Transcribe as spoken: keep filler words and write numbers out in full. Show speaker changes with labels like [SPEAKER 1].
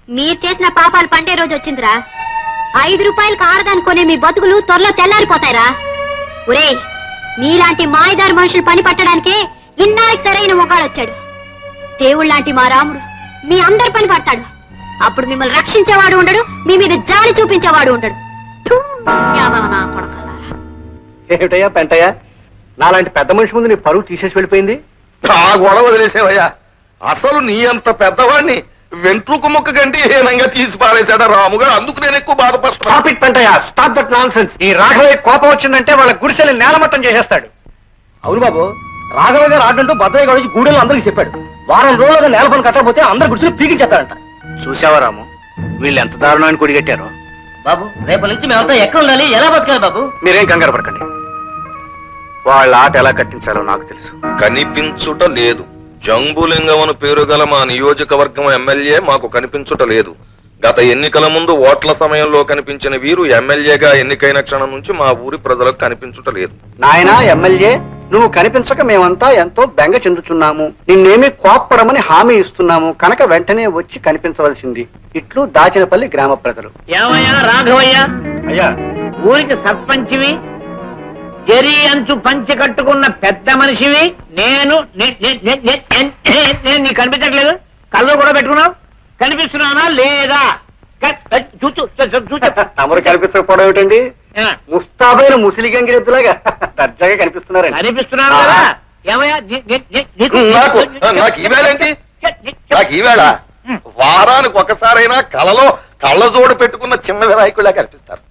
[SPEAKER 1] మీరు చేసిన పాపాలు పండే రోజు వచ్చిందిరా. ఐదు రూపాయలు కారదానుకునే మీ బతుకులు త్వరలో తెల్లారిపోతాయిరా. ఒరే, మీలాంటి మాయదారి మనుషులు పని పట్టడానికే ఇన్నాళ్ళకి సరైన మొగాడొచ్చాడు. దేవుళ్ళలాంటి మా రాముడు మీ అందరి పని పడతాడు. అప్పుడు మిమ్మల్ని రక్షించేవాడు ఉండడు, మీ మీద జాలి చూపించేవాడు ఉండడు. థూ, యాదవ నా కొడకలారా.
[SPEAKER 2] ఏమిటయ్యా పెంటయ్యా, నాలాంటి పెద్ద మనిషి ముందు నీ పరువు తీసేసి వెళ్ళిపోయింది.
[SPEAKER 3] ఆ గొడవ వదిలేసేవయ్యా. అసలు నీ అంత పెద్దవాడిని వెంట్రుకు ముక్క కంటే హీనంగా తీసి పారేశాడా రాముగారు. అందుకు నేను ఎక్కువ బాధపడుతున్నా.
[SPEAKER 2] స్టాప్ ఇట్ పెంటయ్యా, స్టాప్ దట్ నాన్సెన్స్. ఈ రాఘవయ్య కోపం వచ్చిందంటే వాళ్ళ గుడిసెల్ని నేలమట్టం చేసేస్తాడు.
[SPEAKER 4] అవును బాబు, రాఘవ గారు ఆడంటూ భద్రయ్య గారు గూడెలు అందరికి చెప్పాడు. వారం రోజులుగా నేల పని కట్టకపోతే అందరు గుడిసెలు పీకించేస్తారంట.
[SPEAKER 2] చూసావా రాము, వీళ్ళు ఎంత దారుణాన్ని కొడిగట్టారో.
[SPEAKER 4] బాబు, రేపటి నుంచి మేమంతా ఎక్కడ ఉండాలి, ఎలా బతకాలి బాబు?
[SPEAKER 2] మీరేం కంగారు పడకండి, వాళ్ళ ఆట ఎలా కట్టించాలో నాకు తెలుసు.
[SPEAKER 3] కనిపించుట లేదు. జంబులింగం పేరు గల మా నియోజకవర్గం ఎమ్మెల్యే మాకు కనిపించుట లేదు. గత ఎన్నికల ముందు ఓట్ల సమయంలో కనిపించిన వీరు ఎమ్మెల్యేగా ఎన్నికైన క్షణం నుంచి మా ఊరి ప్రజలకు కనిపించుట లేదు.
[SPEAKER 2] నాయనా ఎమ్మెల్యే, నువ్వు కనిపించక మేమంతా ఎంతో బెంగ చెందుతున్నాము. నిన్నేమీ కోప్పడమని హామీ ఇస్తున్నాము కనుక వెంటనే వచ్చి కనిపించవలసింది. ఇట్లు దాచినపల్లి గ్రామ ప్రజలు.
[SPEAKER 5] ఏమయ్యా రాఘవయ్య,
[SPEAKER 2] అయ్యా,
[SPEAKER 5] ఊరికి సర్పంచివి, జరి అంచు పంచి కట్టుకున్న పెద్ద మనిషివి. నేను నే- నే- నే- నే- నే- నేను నీకు కనిపించట్లేదు. కళ్ళు కూడా పెట్టుకున్నావు. కనిపిస్తున్నానా లేదా? క- చూచు చూ- చూచు.
[SPEAKER 2] తమరు కనిపించకపోవడం ఏమిటండి?
[SPEAKER 5] ఆ,
[SPEAKER 2] ముస్తాబైన ముసిలి గంగిరెద్దులాగా దర్జాగా కనిపిస్తున్నారండి.
[SPEAKER 5] కనిపిస్తున్నాను కదా. ఏమయ్యా నీ- నీ- నీ- నీకు-
[SPEAKER 3] నాకు నాకు ఈవేళ ఏంటి? నాకు ఈవేళ వారానికి ఒకసారైనా కళలో కళ్ళజోడు పెట్టుకున్న చిన్న వినాయకుడిలా కనిపిస్తారు.